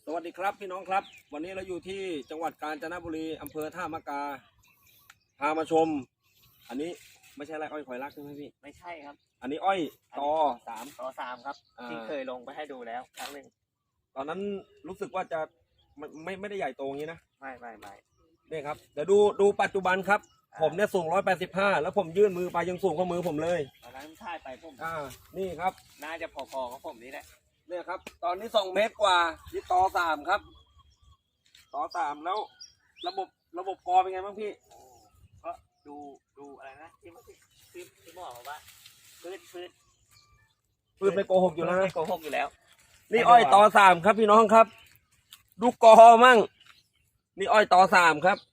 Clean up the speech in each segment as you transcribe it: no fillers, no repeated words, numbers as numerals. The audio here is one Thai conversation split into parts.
สวัสดีครับพี่น้องครับวันนี้เราอยู่ที่จังหวัดกาญจนบุรีอำเภอท่ามะกาพามาชมอันนี้ไม่ใช่ไรอ้อยข่อยรักใช่ไหมพี่ไม่ใช่ครับอันนี้อ้อยตอ 3 ต่อ 3ครับที่เคยลงไปให้ดูแล้วครั้งหนึ่งตอนนั้นรู้สึกว่าจะไม่ได้ใหญ่โตอย่างนี้นะไม่นี่ครับเดี๋ยวดูปัจจุบันครับผมเนี่ยสูง185แล้วผมยื่นมือไปยังสูงกว่ามือผมเลยตอนนั้นท่ายไปผมนี่ครับน่าจะพอๆกับผมนี่แหละเนี่ยครับตอนนี้2 เมตรกว่านี่ตอ3ครับตอ3แล้วระบบกอเป็นไงบ้างพี่ก็ดูอะไรนะที่บอกว่าพืชไม่โกหกอยู่แล้วนะไม่โกหกอยู่แล้วนี่อ้อยตอ3ครับพี่น้องครับดูกอมั่งนี่อ้อยตอ3ครับ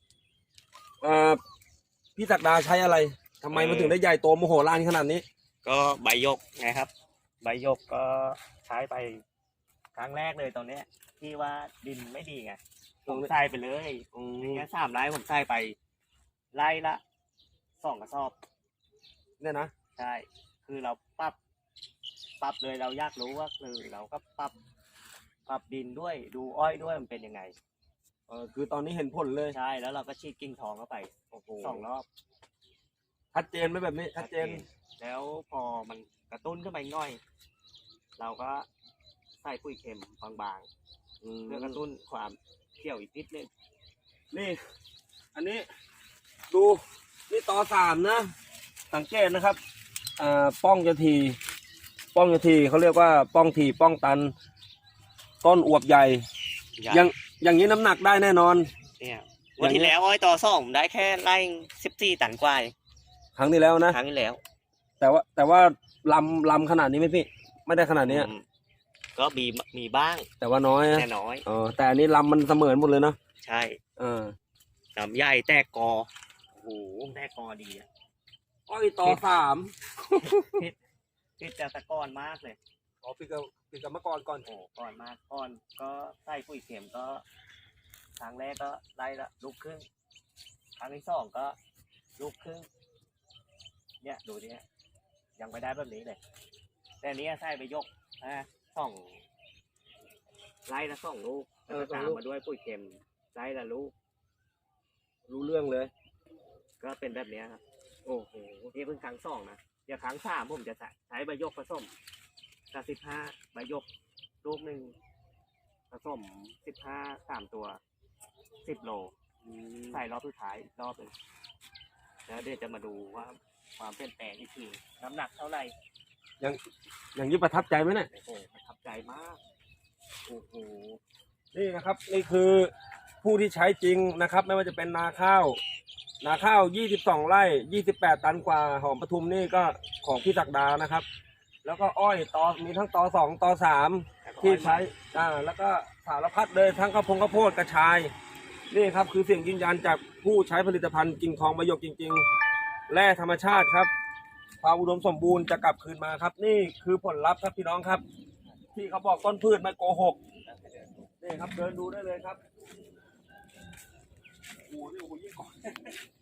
พี่ศักดาใช้อะไรทำไมมันถึงได้ใหญ่โตมโหฬารขนาดนี้ก็ใบยกไงครับใบยกก็ใช้ไปครั้งแรกเลยตอนนี้ที่ว่าดินไม่ดีไงผมใส่ไปเลยอย่างเงี้ย3 ไร่ผมใส่ไปไร่ละ2 กระสอบเนี่ยนะใช่คือเราปรับเลยเราอยากรู้ว่าคือเราก็ปรับดินด้วยดูอ้อยด้วยมันเป็นยังไงคือตอนนี้เห็นผลเลยใช่แล้วเราก็ฉีดกิ่งทองเข้าไป2 รอบชัดเจนไหมแบบนี้ชัดเจนแล้วพอมันกระตุ้นขึ้นไปง่อยเราก็ใส่ปุ๋ยเค็มบางๆเพื่อกระตุ้นความเขียวอีกนิดนึงนี่อันนี้ดูนี่ตอ3นะสังเกตนะครับป้องจะทีเขาเรียกว่าป้องทีป้องตันต้นอวบใหญ่อย่างนี้น้ำหนักได้แน่นอนเนี่ยวันที่แล้วอ้อยตอ2ได้แค่ไร่14 ตันกว่าครั้งที่แล้วนะครั้งที่แล้วแต่ว่าลำขนาดนี้ไหมพี่ไม่ได้ขนาดนี้ก็มีบ้างแต่ว่าน้อยแน่น้อยแต่อันนี้ลำมันเสมอหมดเลยเนาะใช่ลำใหญ่แตกกอโอ้โหแตกกอดีอ่ะอ้อยตอ3 พิษจะตะกอนมากเลยปิดกับเมื่อก่อนก่อนมากก่อนก็ใส่ปุ๋ยเข็มก็ครั้งแรกก็ไล่ละลูกครึ่งครั้งที่2ก็ลูกครึ่งเนี่ยดูดิยังไม่ได้แบบนี้เลยแต่นี้ใส่ไปยก2 ไล่ละ2 ลูกแล้วตามมาด้วยปุ๋ยเข็มไล่ละลูกรู้เรื่องเลยก็เป็นแบบนี้ครับโอ้โหนี่เพิ่งครั้ง2นะเดี๋ยวครั้ง3ผมจะใช้ใบยกผสม15 ใบยกลูกหนึ่งผสม15 3 ตัว10 โลใส่รอบสุดท้ายรอบนึงแล้วเดี๋ยวจะมาดูว่าความเปลี่ยนแปลงที่คือน้ำหนักเท่าไหร่อย่างนี้ประทับใจไหมเนี่ยโอ้โหประทับใจมากโอ้โหนี่นะครับนี่คือผู้ที่ใช้จริงนะครับไม่ว่าจะเป็นนาข้าว22 ไร่28 ตันกว่าหอมปทุมนี่ก็ของพี่ศักดานะครับแล้วก็อ้อยมีทั้งตอ2 ตอ3ที่ใช้แล้วก็สารพัดเลยทั้งข้าวโพดกระชายนี่ครับคือเสียงยืนยันจากผู้ใช้ผลิตภัณฑ์กิ่งทองประโยคจริงๆแร่ธรรมชาติครับความอุดมสมบูรณ์จะกลับคืนมาครับนี่คือผลลัพธ์ครับพี่น้องครับที่เขาบอกต้นพืชไม่โกหกนี่ครับเดินดูได้เลยครับโอ้โหยิ่งก่อน